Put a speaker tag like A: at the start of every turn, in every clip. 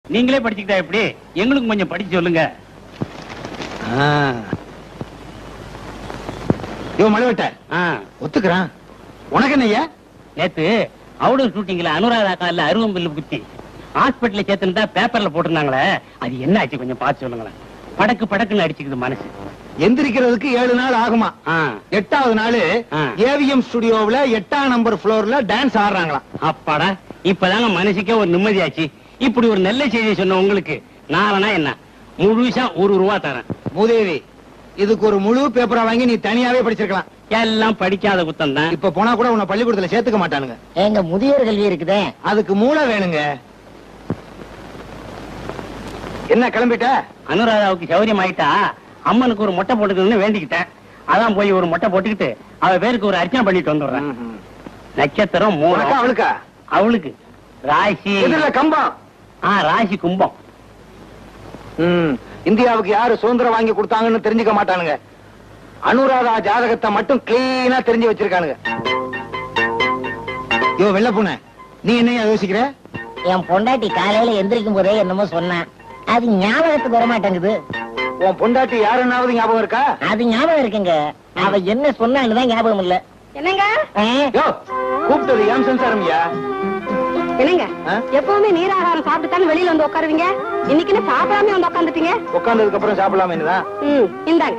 A: நீங்களே படிச்சுக்கிட்டா எப்படி? எங்களுக்கு கொஞ்சம் படிச்சு சொல்லுங்க.
B: மலைவட்ட ஒத்துக்கிறான். உனக்கு என்னய்யா?
A: நேத்து அவுடர் ஷூட்டிங்ல அனுராதா கால அருவம் பில்லு குத்தி ஹாஸ்பிட்டல்ல சேர்த்துன்னு பேப்பர்ல போட்டிருந்தாங்களே, அது என்ன ஆச்சு கொஞ்சம் பார்த்து சொல்லுங்களேன். படக்கு படக்குன்னு அடிச்சுக்குது மனசு.
B: எந்திரிக்கிறதுக்கு 7 நாள் ஆகுமா? 8வது நாள் ஏவிஎம் ஸ்டுடியோவுல 8ஆம் நம்பர் ஃப்ளோர்ல டான்ஸ் ஆடுறாங்களாம்.
A: அப்பாடா, இப்பதாங்க மனசுக்கே ஒரு நிம்மதியாச்சு. இப்படி ஒரு நல்ல செய்தி சொன்ன உங்களுக்கு நானா என்ன முழுசா ₹1 தரேன்.
B: மூதேவி, இதுக்கு ஒரு முழு பேப்பரா வாங்கி நீ தனியாவே படிச்சிருக்கலாம்.
A: எல்லாம் படிக்காத குத்தம் தான்.
B: இப்ப போனா கூட உன்னை பள்ளிக்கூடத்துல சேர்த்துக்க மாட்டானுங்க.
C: எங்க முதியோர் கல்வி இருக்குதே,
B: அதுக்கு மூளை வேணுங்க. என்ன கிளம்பிட்ட?
A: அனுராதாவுக்கு சௌரியம் ஆயிட்டா அம்மனுக்கு ஒரு மொட்டை போட்டுக்கணும்னு வேண்டிக்கிட்டேன். அதான் போய் ஒரு மொட்டை போட்டுக்கிட்டு அவ பேருக்கு ஒரு அர்ச்சனை பண்ணிட்டு வந்துடுறேன். நட்சத்திரம் 3.
B: அவளுக்கா?
A: அவளுக்கு ராசி
B: கம்பம்.
A: ராசி கும்பம்.
B: இந்தியாவுக்கு யாரு சுதந்திரம் வாங்கி கொடுத்தாங்கன்னு தெரிஞ்சுக்க மாட்டானுங்க. அனுராதா ஜாதகத்தை மட்டும் கிளீனா தெரிஞ்சு வச்சிருக்கானுங்க. யோ வெள்ள பூனை, நீ என்ன யோசிக்கிற?
C: என் பொண்டாட்டி காலையில எந்திரிக்கும் போதே என்னமோ சொன்னான், அது ஞாபகத்துக்கு வர மாட்டேங்குது.
B: உன் பொண்டாட்டி யாருன்னாவது ஞாபகம் இருக்கா?
C: அது ஞாபகம் இருக்குங்க, அவ என்ன சொன்னான்னுதான் ஞாபகம் இல்ல.
D: என்னங்க
B: கூப்பிட்டது ஏன் சம்சாரம்யா?
D: என்னங்க எப்பவுமே நீராகாரம் சாப்பிட்டுத்தானே வெளியில வந்து உட்காருவீங்க, இன்னைக்கு என்ன சாப்பிடாம வந்து உட்காந்துட்டீங்க?
B: உட்கார்ந்ததுக்கு அப்புறம் சாப்பிடலாமே என்னதான்?
D: இந்தாங்க.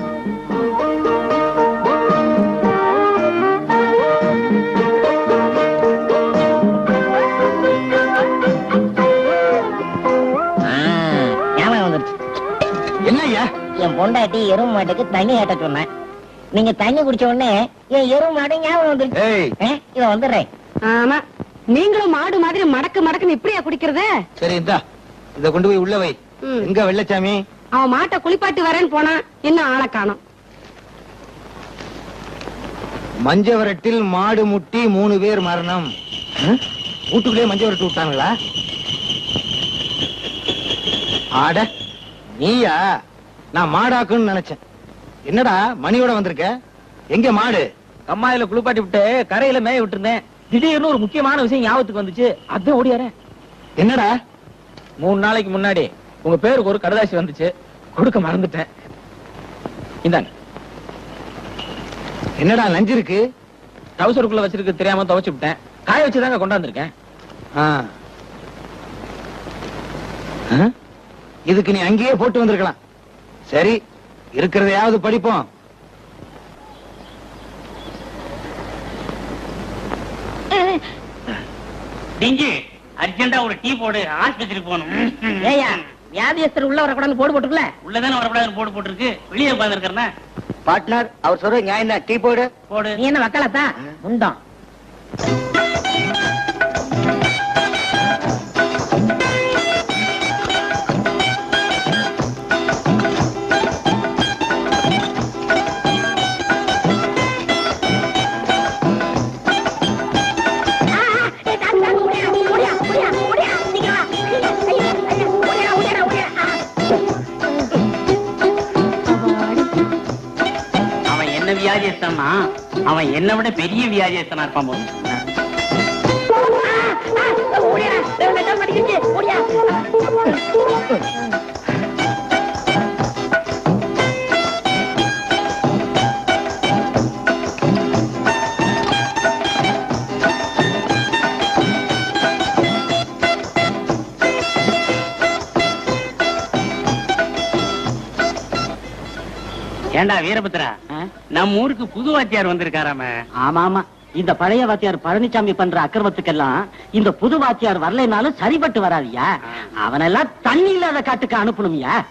B: என்னய்யா?
C: என் பொண்டாட்டி எருமை மாட்டுக்கு தண்ணி ஏட்ட சொன்னேன். நீங்க தண்ணி குடிச்ச உடனே என் எருமை மாடு ஞாபகம் வந்துருச்சு. இத வந்துடுறேன்.
D: ஆமா, நீங்களும் மாடு மாதிரி மடக்கு மடக்குன்னு இப்படியா குடிக்கிறது?
B: சரி, இந்தா இத கொண்டு போய் உள்ள வை. எங்க வெள்ளச்சாமி?
D: அவன் மாட்டை குளிப்பாட்டி வரேன்னு போனா இன்னும் ஆளை காணோம்.
B: மஞ்சவரட்டில் மாடு முட்டி 3 பேர் மரணம். வீட்டுக்குள்ளே மஞ்சவரட்டு விட்டாங்களா? ஆட நீயா? நான் மாடாக்குன்னு நினைச்சேன். என்னடா மணியோட வந்திருக்க? எங்க மாடு?
E: கம்மாயில குளிப்பாட்டி விட்டு கரையில மேய விட்டுருந்தேன். திடீர்னு ஒரு முக்கியமான விஷயம் ஞாபகத்துக்கு வந்துச்சு, அதான் ஓடியாரேன்.
B: என்னடா?
E: 3 நாளைக்கு முன்னாடி உங்க பேருக்கு ஒரு கடதாசி வந்துச்சு, கொடுக்க மறந்துட்டேன். இந்தாங்க.
B: என்னடா நஞ்சு இருக்கு?
E: டவுசருக்குள்ள வச்சிருக்கு தெரியாம துவைச்சு விட்டேன், காய வச்சுதாங்க கொண்டாந்துருக்கேன்.
B: இதுக்கு நீ அங்கேயே போட்டு வந்திருக்கலாம். சரி, இருக்கிறதையாவது படிப்போம்.
A: அர்ஜென்டா ஒரு டீ போடு, ஆஸ்பத்திரிக்கு போகணும்.
C: ஏயா வியாதியஸ்தர் உள்ள வரக்கூடாது போடு போட்டுக்கல?
A: உள்ளதானே வரக்கூடாதுன்னு போடு போட்டுருக்கு, வெளியே உட்கார்ந்து இருக்கிறேன்.
B: பார்ட்னர், அவர் சொல்ற நியாயம் தான். டீ போடு.
A: போடு.
C: நீ என்ன வக்காலத்தா உண்டோம்?
A: வியாதியஸ்தனா அவன் என்னை விட பெரிய வியாதியஸ்தனா இருப்பான் போது. ஏண்டா வீரபத்ரா, நம்ம ஊருக்கு புது வாத்தியார் வந்திருக்காராம?
C: ஆமா ஆமா, இந்த பழைய வாத்தியார் பழனிசாமி பண்ற அக்கிரமத்துக்கெல்லாம் இந்த புது வாத்தியார் வரலைனாலும் சரிபட்டு வராதியா. அவனெல்லாம் தண்ணி இல்லாத காட்டுக்கு அனுப்பணும்யா.